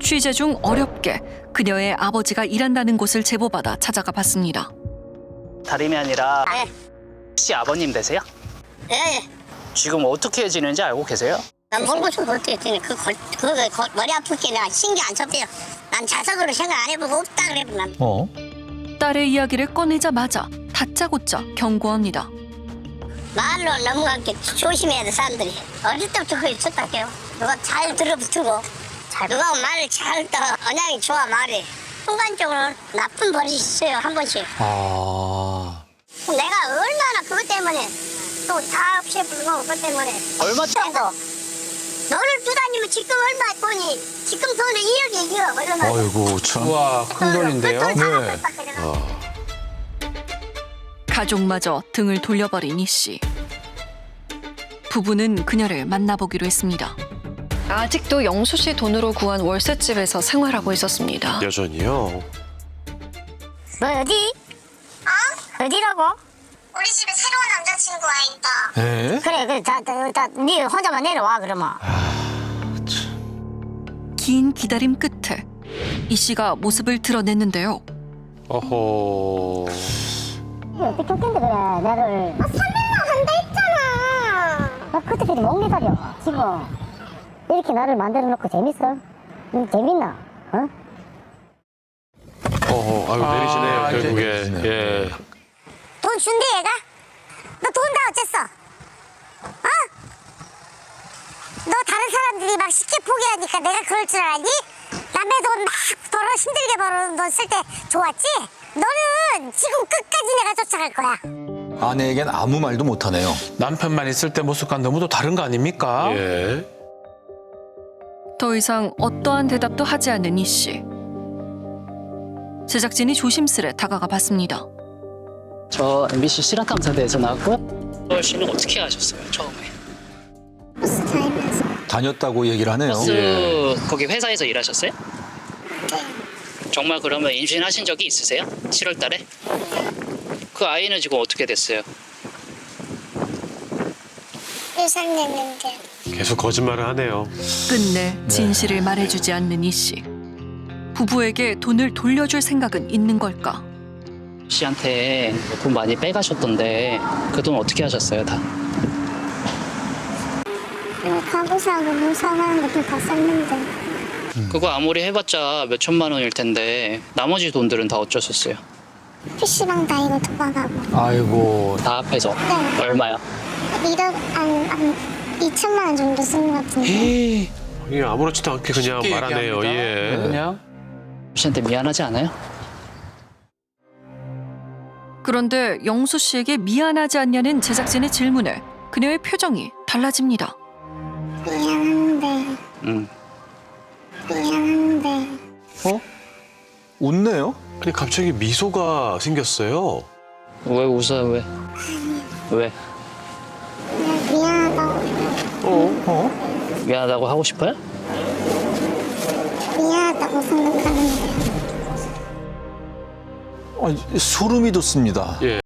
취재 중 어렵게 그녀의 아버지가 일한다는 곳을 제보받아 찾아가 봤습니다. 다름이 아니라 네. 혹시 아버님 되세요? 예. 지금 어떻게 지는지 알고 계세요? 난 모르고 좀 어떻게 했더니 머리 아프게 내가 신경 안 썼대요. 난 자석으로 생각 안 해보고 없다 그래도 난. 딸의 이야기를 꺼내자마자 다짜고짜 경고합니다. 말로 넘어가게 조심해야 돼 사람들이. 어릴 때부터 그게 있었다게요. 누가 잘 들어붙고 누가 말을 잘 떠. 언양이 좋아 말이. 순간적으로 나쁜 버릇이 있어요 한 번씩. 내가 얼마나 그것 때문에 또 다 없애버리고 그것 때문에 얼마 정도 너를 두다니면 지금 얼마 돈이 지금 돈은 2억이에요 얼마. 아이고 참. 우와, 큰 돈인데요? 네. 가족마저 등을 돌려버린 이 씨. 부부는 그녀를 만나보기로 했습니다. 아직도 영수 씨 돈으로 구한 월세집에서 생활하고 있었습니다. 여전히요? 너 어디? 어디라고? 우리 집에 새로운 남자친구가 있다. 에? 그래 네 혼자만 내려와 그러면. 긴 기다림 끝에 이 씨가 모습을 드러냈는데요. 어허. 어떻게 했는데 그래 나를. 설명만 한다 했잖아. 나 그때까지 목 매달려 지금. 이렇게 나를 만들어 놓고 재밌어? 재밌나? 어? 어허, 아유, 내리시네요, 이제 결국에. 내리시네요. 예. 돈 준대 얘가? 너 돈 다 어쨌어? 어? 너 다른 사람들이 막 쉽게 포기하니까 내가 그럴 줄 알았니? 남의 돈 막 벌어 힘들게 벌어놓은 돈 쓸 때 좋았지? 너는 지금 끝까지 내가 쫓아갈 거야. 아내에겐 아무 말도 못하네요. 남편만 있을 때 모습과 너무도 다른 거 아닙니까? 예. 더 이상 어떠한 대답도 하지 않는 이 씨. 제작진이 조심스레 다가가 봤습니다. 저 MBC 실화탐사대에서 나왔고요. 서울 씨는 어떻게 하셨어요 처음에? 버스 다니면서. 다녔다고 얘기를 하네요. 버스 거기 회사에서 일하셨어요? 정말 그러면 임신하신 적이 있으세요? 7월 달에? 그 아이는 지금 어떻게 됐어요? 1살 됐는데. 계속 거짓말을 하네요. 끝내 진실을 말해주지 않는 이 씨. 부부에게 돈을 돌려줄 생각은 있는 걸까? 씨한테 돈 많이 빼가셨던데 그 돈 어떻게 하셨어요 다? 가구 사고 뭐 사가는 것도 다 썼는데. 그거 아무리 해봤자 몇 천만 원일 텐데 나머지 돈들은 다 어쩌셨어요? PC방 다니고 도박하고. 아이고. 다 합해서 네. 얼마요? 1억 한 2천만 원 정도 쓴 것 같은데. 이게 아무렇지도 않게 그냥 쉽게 말하네요. 얘기합니다. 예. 그냥 씨한테 미안하지 않아요? 그런데 영수 씨에게 미안하지 않냐는 제작진의 질문에 그녀의 표정이 달라집니다. 미안한데. 미안한데. 웃네요? 아니, 갑자기 미소가 생겼어요. 왜 웃어요 왜? 왜? 그냥 미안하다고. 미안하다고 하고 싶어요? 미안하다고 생각하는데. 소름이 돋습니다. 예.